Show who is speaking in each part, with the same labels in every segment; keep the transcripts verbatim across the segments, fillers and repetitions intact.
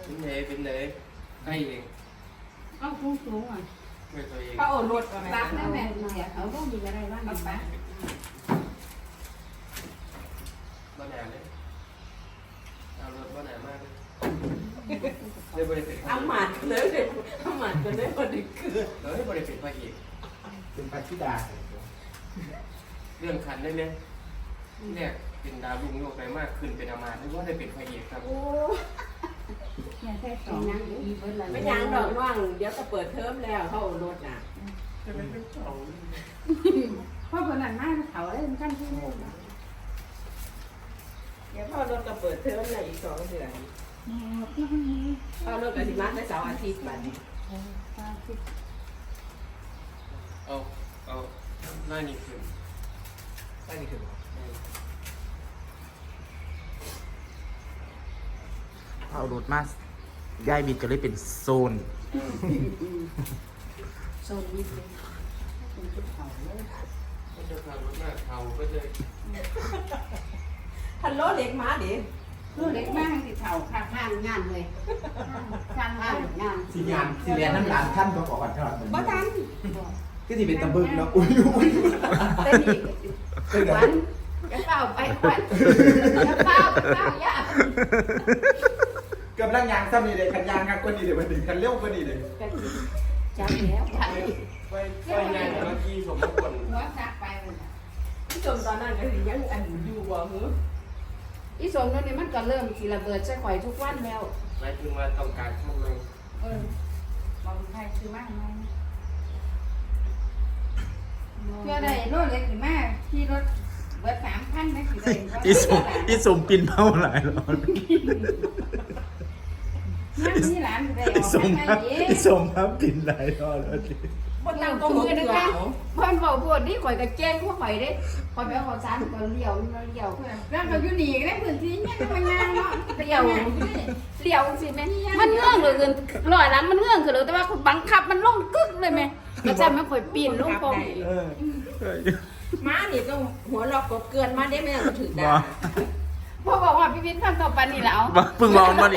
Speaker 1: เป็นไหนเป็นไหนให้เอง
Speaker 2: เอาสูงสูงอ่ะ
Speaker 1: ไม่ตัวเอง
Speaker 3: เขาเอารถ
Speaker 2: รักแม่แม่เสียเขาต้องมีอะไรบ้างปะ
Speaker 1: บ้านไหนเลยเอารถบ้านไหนมากเลยเดี๋ยวบริษัท
Speaker 3: เอาหมัดเลยเอาหมัดกันได้พอดีคือ
Speaker 1: เฮ้ยบริษัทพระเอก
Speaker 4: เป็นปาชิดา
Speaker 1: เรื่องคันได้ไหมเนี่ยเป็นดาวลุงโลกไปมากขึ้นเป็นอามาหรือว่าได้เป็นพระเอกครับ
Speaker 3: โอ้
Speaker 2: เนี่ยแค่สองนั่งอีเบิร์ดละ
Speaker 3: ไม่ยังดอกว่างเดี๋ยวก็เปิดเทอมแล้วเขาเอารถน่ะ
Speaker 1: จะเป็นเรื่องเขา
Speaker 2: เพราะคนนั้นมากเขาเลยมันขั้นที่นี่
Speaker 3: เดี๋ยวพ่อรถก็เปิดเทอมเลยอีกสองเดือนพ่อรถก็สิมาได้เสาร์อาทิตย์บัดนี้
Speaker 1: เอาเอาหน้านี่ขึ้น
Speaker 4: ได้นี่คือเอารถมาย้ายบิดก็เลยเป็นโซน
Speaker 2: โซนนี้เลยเป็นชุดเขาเลย
Speaker 1: ก็จะพารถหน้าเขาก็เลย
Speaker 3: ทันรถเล็กมาดิ
Speaker 2: ลูกเล็กมากติดเข่าข้างข้างงานเลยข้างข้างงาน
Speaker 4: สีงานสีเรียนน้ำหลานท่านก็บอกวันทอดเหมือน
Speaker 3: บ่ทัน
Speaker 4: ก็ที่เป็นตะบึงเนาะอุ้ยอุ้ย
Speaker 3: แต่นี่
Speaker 4: เป็นไง
Speaker 2: วันจะเฝ้าไปควันจะเฝ้าเฝ้ายาก
Speaker 4: กำลังยางซ้ำนี่เลยคันยางกันกว่านี้เลยมันถึงคันเร็วกว่านี้เลย
Speaker 2: จับแล้วไป
Speaker 1: ไปไปงานเมื่อกี้สมมติคน
Speaker 2: หัวซักไปเลย
Speaker 3: พี่ชมตอนนั้นก็สิยังอันอยู่บ่หือ
Speaker 2: อีสมนั่นนี่มันก็เริ่มสิระเบิดใส่ข่อยทุกวันแล้ว
Speaker 1: หมายถึงว่าต้องการข้างใน
Speaker 2: เออบอกใครซื้อมากไหมเพื่อได้รถเล็กหรือมากที่รถเบิดสามพันนะสิได้
Speaker 4: อีสมอีสมปินเมาหลายหรอ
Speaker 2: นั่งที่ร้านสิได้อ
Speaker 4: อี
Speaker 2: อก
Speaker 4: สม
Speaker 2: ไป
Speaker 4: ครับ
Speaker 2: เอง
Speaker 4: อีสมครับปินหลายรอบแล้วดิ
Speaker 3: บ่ตั้งก็มือนะ
Speaker 2: นะคะเพิ่นบอกพวกนี้ข่อยก็แจ้งพวกข่อยเด้ข่อยไปเอาข้าวสารข่อยเลี้ยวมันเลี้ยวแล้วก็อยู่นี่ก็ได้พื้นที่เนี่ยมันงานเนาะเลี้ยวเลี้ยวสิแม่มันเงื่อนเลยลอยหลังมันเงื่อนคือแต่ว่าบังคับมันลงกึกเลยแม่ก็จะไม่ข่อยปีนลงปอง
Speaker 4: เออ
Speaker 3: ม้านี่ต้องหัวลอกกบเกลือนมาได้ไหมล่ะถือ
Speaker 4: บ่
Speaker 3: ได้
Speaker 2: พ่อบอกว่าพี่วิทย์ทำต่อปันนี่แล้ว
Speaker 4: บ่เพิ่งมองมานี่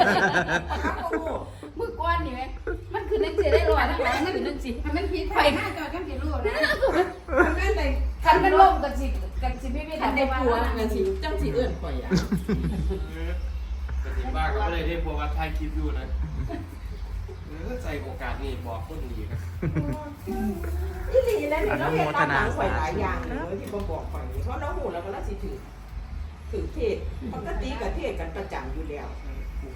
Speaker 2: มือกวนนี่ไหมมันคือนักเสียได้ลอยทั้งหลายมันคือนักสิมันผิดไฟหน้าจอกันผิดรูปนะ
Speaker 3: ทำงานได้
Speaker 2: คันมันล่มกันสิกันสิพี่วิทย์
Speaker 3: ทัน
Speaker 2: ทำ
Speaker 3: ได้
Speaker 2: ได้
Speaker 3: ปั
Speaker 2: ปั
Speaker 3: ว
Speaker 2: ว
Speaker 3: นั่นสิจังสิเอื้อนข่อยอ่ะ
Speaker 1: ปฏิบัติก็เลยได้พวกว่าถ่ายคลิปอยู่นะใส่โอกาสนี่บอกคนดีครับ
Speaker 3: อีหลีแล้วนี่เราเห็นตามหลังข่อยหลายอย่างเลยที่บ่บอกข่อยนี่เพราะเราหูแล้วก็เราสิถือถือเทศปกติก็เทศกันประจำอยู่แล้ว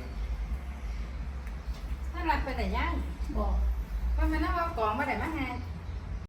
Speaker 2: ถ้ารักไปไหนย่างบอกว่ามันน่าว่ากองมาไหนมาไง